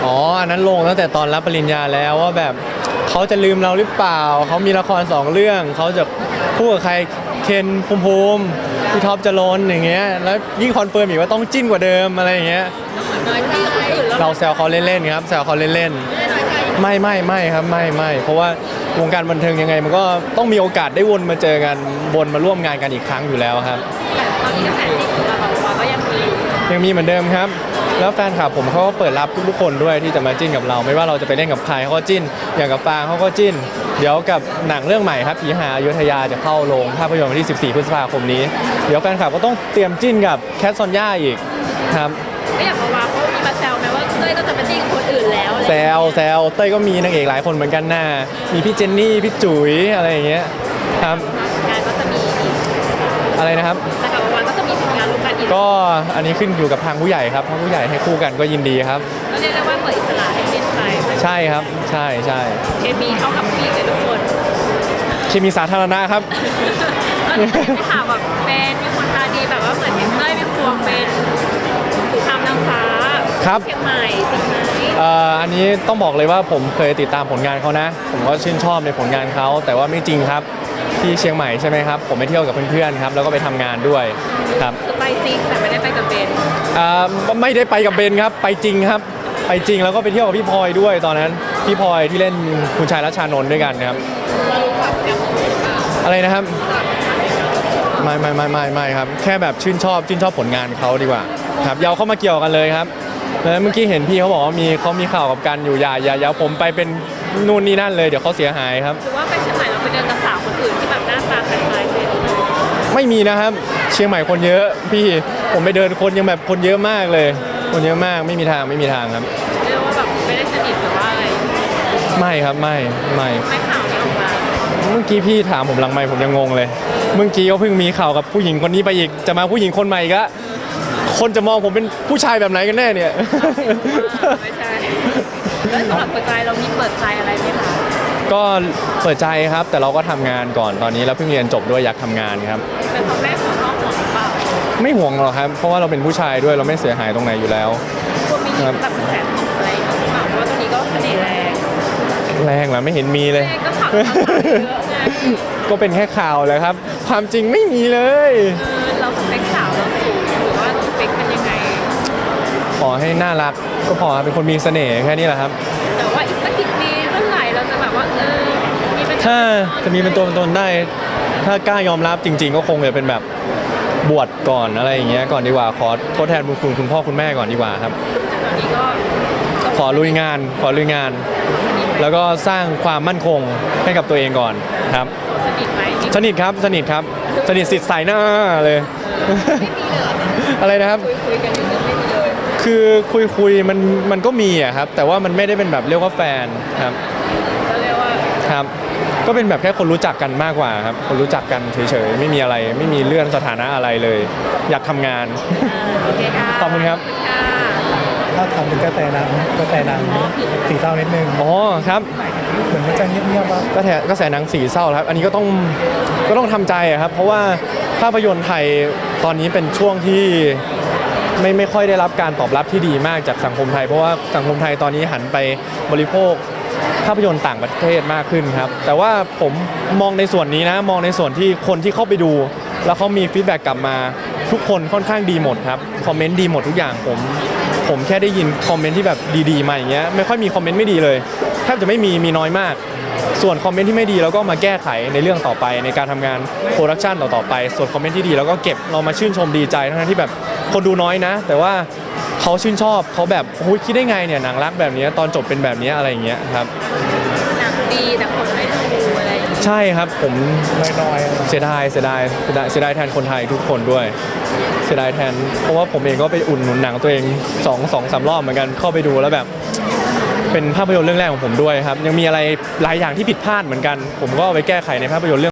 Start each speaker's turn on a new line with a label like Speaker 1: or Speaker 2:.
Speaker 1: อ๋ออันนั้นลงตั้งแต่ตอนรับปริญญาแล้วว่าแบบเขาจะลืมเราหรือเปล่าเขามีละคร2 เรื่องเขาจะคู่กับใครเคนภูมิพี่ท็อปจรนอย่างเงี้ยแล้วยิ่งคอนเฟิร์มอีกว่าต้องจิ้นกว่าเดิมอะไรอย่างเงี้ย
Speaker 2: น้อยใจคนอื่นแล้ว
Speaker 1: เราแซวเขาเล่นๆครับแซวเขาเล่นๆไม่ครับไม่เพราะว่าวงการบันเทิงยังไงมันก็ต้องมีโอกาสได้วนมาเจอกันวนมาร่วมงานกันอีกครั้งอยู่แล้วครับ
Speaker 2: ตอนนี้กระแสจิ้นของเราก็ยังมี
Speaker 1: เหมือนเดิมครับแล้วแฟนคลับผมเขาก็เปิดรับทุกคนด้วยที่จะมาจิ้นกับเราไม่ว่าเราจะไปเล่นกับใครเขาก็จิ้นอย่างกับฟางเขาก็จิ้นเดี๋ยวกับหนังเรื่องใหม่ครับผีหาอยุธยาจะเข้าโรงภาพยนตร์วันที่14 พฤษภาคมนี้เดี๋ยวแฟนคลับก็ต้องเตรียมจิ้นกับแคทซอนย่าอีกครับ
Speaker 2: ก็อยากมาเขามีมาแซวไหมว่าเต้ยก็จะไปจิ้นคนอื่นแล้ว
Speaker 1: แซวเต้ยก็มีนางเอกหลายคนเหมือนกันน่ะมีพี่เจนนี่พี่จุ๋ยอะไรอย่างเงี้ยครับ
Speaker 2: งานก็จะมี
Speaker 1: อะไรนะครับ
Speaker 2: แต่กับวันก็จะมีผลงานร่วมกันอีก
Speaker 1: ก็อันนี้ขึ้นอยู่กับทางผู้ใหญ่ครับทางผู้ใหญ่ให้คู่กันก็ยินดีครับ
Speaker 2: ก็เรียกได้ว่าเปิดอิสระให้เป็นไป
Speaker 1: ใช่ครับใช่
Speaker 2: เคมีเข้ากับพี่กับทุกคน
Speaker 1: เคมีสาธารณะครับ
Speaker 2: ไม่ถามแบบเป็นมีคนตาดีแบบว่าเหมือนเห็นเต้ยเป็นพวงเป็นผู้ทำนางฟ้า
Speaker 1: ครับ
Speaker 2: เชียงใหม่จริงไหม
Speaker 1: อันนี้ต้องบอกเลยว่าผมเคยติดตามผลงานเขานะผมก็ชื่นชอบในผลงานเขาแต่ว่าไม่จริงครับที่เชียงใหม่ใช่ไหมครับผมไปเที่ยวกับเพื่อนๆครับแล้วก็ไปทำงานด้วยครับ
Speaker 2: คือไปจริงแต่ไม่ได้ไปกับเบน
Speaker 1: ไม่ได้ไปกับเบนครับไปจริงครับไปจริงแล้วก็ไปเที่ยวกับพี่พลอยด้วยตอนนั้นพี่พลอยที่เล่นคุณชายรัชชานนท์ด้วยกันนะครับอะไรนะครับไม่ครับแค่แบบชื่นชอบผลงานเขาดีกว่าครับอย่าเข้ามาเกี่ยวกันเลยครับแล้วเมื่อกี้เห็นพี่เขาบอกว่าเขามีข่าวกับกันอยู่อย่าผมไปเป็นนู่นนี่นั่นเลยเดี๋ยวเขาเสียหายครับ
Speaker 2: หรือว่าไปเชียงใหม่เราไปเดินกับสาวคนอื่นที่แบบหน้าตาคล้ายๆเป็น
Speaker 1: ไม่มีนะครับเชียงใหม่คนเยอะพี่ผมไปเดินคนยังแบบคนเยอะมากเลยคนเยอะมากไม่มีทางครับ
Speaker 2: เรียกว่าแบบไม่ได้สนิทหรือว่าอะไร
Speaker 1: ไม่ครับไม่
Speaker 2: ข่าวนี้ออกมา
Speaker 1: เมื่อกี้พี่ถามผมหลังไมค์ผมยังงงเลยเมื่อกี้ก็เพิ่งมีข่าวกับผู้หญิงคนนี้ไปอีกจะมาผู้หญิงคนใหม่ก็คนจะมองผมเป็นผู้ชายแบบไหนกันแน่เนี่ย
Speaker 2: ไม่ใช่แล้วสำหรับเปิดใจเรามีเปิดใจอะไรไหมคะ
Speaker 1: ก็เปิดใจครับแต่เราก็ทำงานก่อนตอนนี้เราเพิ่งเรียนจบด้วยอยากทำงานครับ
Speaker 2: เป็นพ่อแม่ของน้องห่วงหรือเปล่า
Speaker 1: ไม่ห่วงหรอกครับเพราะว่าเราเป็นผู้ชายด้วยเราไม่เสียหายตรงไหนอยู่แล้ว
Speaker 2: ควรมีแบบแสนตกอะไรหรือเปล่าเพราะว่าตรงนี้ก็เสน่ห์
Speaker 1: แรงเหรอไม่เห็นมีเลย
Speaker 2: ก็ข่าวเยอะไง
Speaker 1: ก็เป็นแค่ข่าวเลยครับความจริงไม่มีเลย
Speaker 2: เราสเปคสาวเราสูงหรือว่าสเปคเป็นยังไง
Speaker 1: ขอให้น่ารักก็พอเป็นคนมีเสน่ห์แค่นี้แหละครับ
Speaker 2: แต่ว่าอีกสักกี่ปีเมื่อไหร่เราจะแบบว่า
Speaker 1: ถ้าจะมีเป็นตัวเป็นตนได้ถ้ากล้ายอมรับจริงๆก็คงจะเป็นแบบบวชก่อนอะไรอย่างเงี้ยก่อนดีกว่าขอทดแทนบุญคุณพ่อคุณแม่ก่อนดีกว่าครับ
Speaker 2: ตอนนี้ก็
Speaker 1: ขอลุยงานแล้วก็สร้างความมั่นคงให้กับตัวเองก่อนครับ
Speaker 2: สนิทไหม
Speaker 1: สนิทครับสนิทสิทธิ์ใส่หน้าเลยอะไรนะครับ
Speaker 2: คุยกันอยู่ไม่มีเลย
Speaker 1: คือคุยมันก็มีอะครับแต่ว่ามันไม่ได้เป็นแบบเรียกว่าแฟนครับ
Speaker 2: ก็เรียกว่า
Speaker 1: ครับก็เป็นแบบแค่คนรู้จักกันมากกว่าครับคนรู้จักกันเฉยๆไม่มีอะไรไม่มีเรื่องสถานะอะไรเลยอยากทำงาน
Speaker 2: โอเคค่ะ
Speaker 1: ขอบคุณครับ
Speaker 3: ถ้าทำเป็นกระแสนางสีเศร้านิดนึง
Speaker 1: อ๋อครับ
Speaker 3: เหมือนมันจะเงียบๆว่
Speaker 1: ากระแสหนังสีเศร้าครับอันนี้ก็ต้องทำใจครับเพราะว่าภาพยนตร์ไทยตอนนี้เป็นช่วงที่ไม่ค่อยได้รับการตอบรับที่ดีมากจากสังคมไทยเพราะว่าสังคมไทยตอนนี้หันไปบริโภคภาพยนตร์ต่างประเทศมากขึ้นครับแต่ว่าผมมองในส่วนนี้นะมองในส่วนที่คนที่เข้าไปดูแล้วเขามีฟีดแบ็กกลับมาทุกคนค่อนข้างดีหมดครับคอมเมนต์ดีหมดทุกอย่างผมแค่ได้ยินคอมเมนต์ที่แบบดีๆมาอย่างเงี้ยไม่ค่อยมีคอมเมนต์ไม่ดีเลยแทบจะไม่มีน้อยมากส่วนคอมเมนต์ที่ไม่ดีเราก็มาแก้ไขในเรื่องต่อไปในการทำงานโปรดักชันต่อไปส่วนคอมเมนต์ที่ดีเราก็เก็บเรามาชื่นชมดีใจทั้งที่แบบคนดูน้อยนะแต่ว่าเขาชื่นชอบเขาแบบโอ้ยคิดได้ไงเนี่ยหนังรักแบบนี้ตอนจบเป็นแบบนี้อะไรอย่างเงี้ยครับ
Speaker 2: หนังดีแต่คนไม่ดูอะไร
Speaker 1: ใช่ครับผม
Speaker 3: น้อย
Speaker 1: เสียดายแทนคนไทยทุกคนด้วยเสียดายแทนเพราะว่าผมเองก็ไปอุ่นหนุนหนังตัวเอง2-3 รอบเหมือนกันเข้าไปดูแล้วแบบเป็นภาพยนตร์เรื่องแรกของผมด้วยครับยังมีอะไรหลายอย่างที่ผิดพลาดเหมือนกันผมก็เอาไปแก้ไขในภาพยนตร์เรื่อง